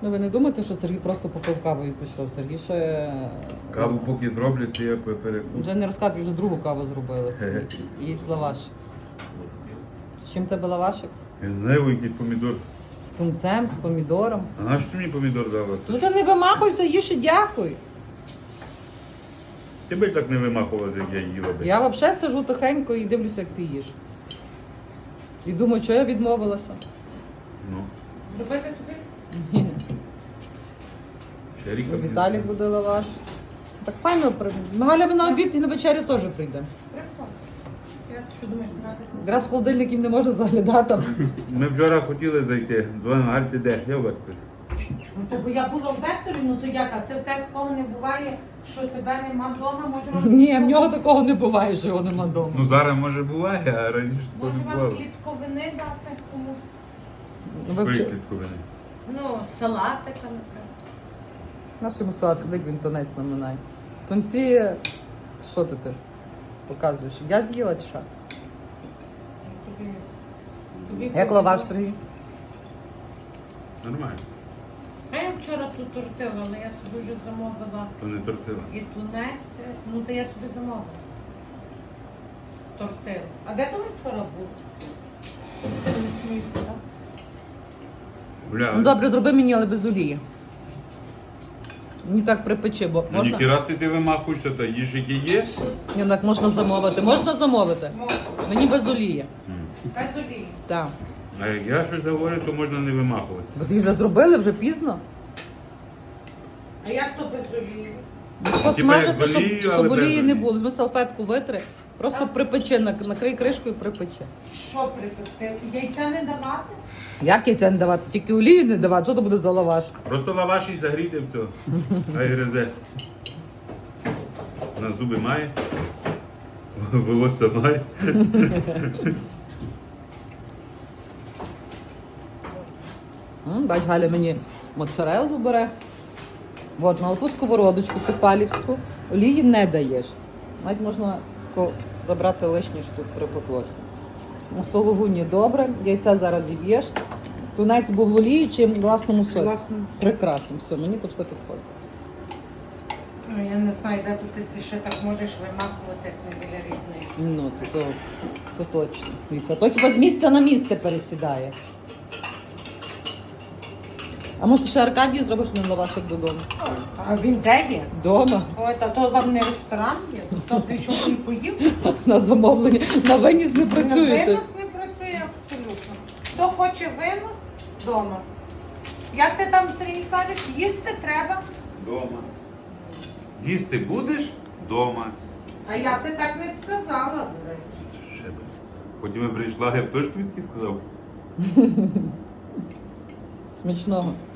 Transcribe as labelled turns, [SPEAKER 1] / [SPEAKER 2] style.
[SPEAKER 1] Ну ви не думаєте, що Сергій просто попив каву і пішов? Сергій ще
[SPEAKER 2] Каву поки зроблять, то я перекушу.
[SPEAKER 1] вже не розказує, вже другу каву зробили. І їсть лаваш. З чим тебе лавашик?
[SPEAKER 2] Я не знаю, який помідор.
[SPEAKER 1] З тунцем, з помідором.
[SPEAKER 2] А на що ти мені помідор дала?
[SPEAKER 1] Тут не вимахуйся, їж і дякуй.
[SPEAKER 2] Ти би так не вимахувала, як я їла би.
[SPEAKER 1] Я взагалі сижу тихенько і дивлюся, як ти їш. І думаю, що я відмовилася.
[SPEAKER 2] Ну,
[SPEAKER 3] Зробити собі?
[SPEAKER 1] Ні.
[SPEAKER 2] ще ріка.
[SPEAKER 1] Віталік буде лаваш. Так файно. Галя на обід і на вечерю теж прийде.
[SPEAKER 3] Прикольно. Я що думаєш, брати?
[SPEAKER 1] Якраз в холодильників не можна заглядати.
[SPEAKER 2] Ми вчора хотіли зайти. Дзвонимо, Галь, ти де? Я в Векторі.
[SPEAKER 3] Ну, бо я була в векторі, ну то як? А ти в тебе такого не буває, що тебе нема вдома, може
[SPEAKER 1] Ні, в нього такого не буває, що його нема вдома.
[SPEAKER 2] Ну зараз може буває, а раніше такого
[SPEAKER 3] Може
[SPEAKER 2] не
[SPEAKER 3] вам
[SPEAKER 2] бувало.
[SPEAKER 3] клітковини дати комусь?
[SPEAKER 1] Ну, ви
[SPEAKER 2] Якої
[SPEAKER 1] вчи-
[SPEAKER 2] клітковини?
[SPEAKER 3] Ну, салатика, наприклад.
[SPEAKER 1] Нашому салату, як він тонець наминає. В тонці, що ти показуєш? Я з'їла чи що?
[SPEAKER 3] Тобі
[SPEAKER 1] Як лаваш, Сергій?
[SPEAKER 2] Нормально.
[SPEAKER 3] А я вчора тут тортила, але я собі вже замовила
[SPEAKER 2] То не тортила.
[SPEAKER 3] і тунець, ну то я собі замовила. Тортилу. А де то ми вчора були? Це не смішно, так?
[SPEAKER 2] Бля,
[SPEAKER 1] Ну добре, зроби мені, але без олії. Мені так припечи, бо
[SPEAKER 2] ну
[SPEAKER 1] можна.
[SPEAKER 2] ніки раз ти вимахуєшся, то їж яке є.
[SPEAKER 1] Ні, так можна замовити. Можна замовити?
[SPEAKER 3] Можна.
[SPEAKER 1] Мені без олії.
[SPEAKER 3] Без олії.
[SPEAKER 1] Так.
[SPEAKER 2] А як я щось говорю, то можна не вимахувати.
[SPEAKER 1] Бо ти вже зробили, вже пізно.
[SPEAKER 3] А як то без олії?
[SPEAKER 1] Посмажити,
[SPEAKER 2] як з олією,
[SPEAKER 1] щоб
[SPEAKER 2] але без
[SPEAKER 1] олії не
[SPEAKER 2] олії.
[SPEAKER 1] було. Візьми салфетку витри, просто припечи, накрий кришкою і припечи.
[SPEAKER 3] Що припекти? Яйця не давати?
[SPEAKER 1] Як яйця не давати? Тільки олію не давати, що це буде за лаваш?
[SPEAKER 2] Просто лаваш і загріти все. Хай гризе. На зуби має. Волосся має.
[SPEAKER 1] Бач, Галя мені моцарелу бере. От, на оту сковородочку тефалівську олії не даєш. Навіть можна тако забрати лишнє, що тут припеклося. У сологуні добре, яйця зараз зіб'єш. Тунець був в олії чи в власному соці?
[SPEAKER 3] Власному.
[SPEAKER 1] Прекрасно, все, мені то все підходить.
[SPEAKER 3] Ну, я не знаю, де тут ти ще так можеш вимахувати, як не біля рідної.
[SPEAKER 1] Ну, то точно. Дивіться, то хіба з місця на місце пересідає. А може ще Аркадію зробиш на лавашик додому?
[SPEAKER 3] А він де є?
[SPEAKER 1] Дома,
[SPEAKER 3] Ой, та то вам не ресторан є? Хто прийшов і поїв?
[SPEAKER 1] на замовлення. На виніс не працюєте.
[SPEAKER 3] Винос не працює абсолютно. Хто хоче винос, вдома. Як ти там, Сергій, кажеш, їсти треба?
[SPEAKER 2] Дома. Їсти будеш? Дома.
[SPEAKER 3] А я ти так не сказала, до речі.
[SPEAKER 2] Ще би. Потім я прийшла, я б теж тобі таки сказав.
[SPEAKER 1] Смачного.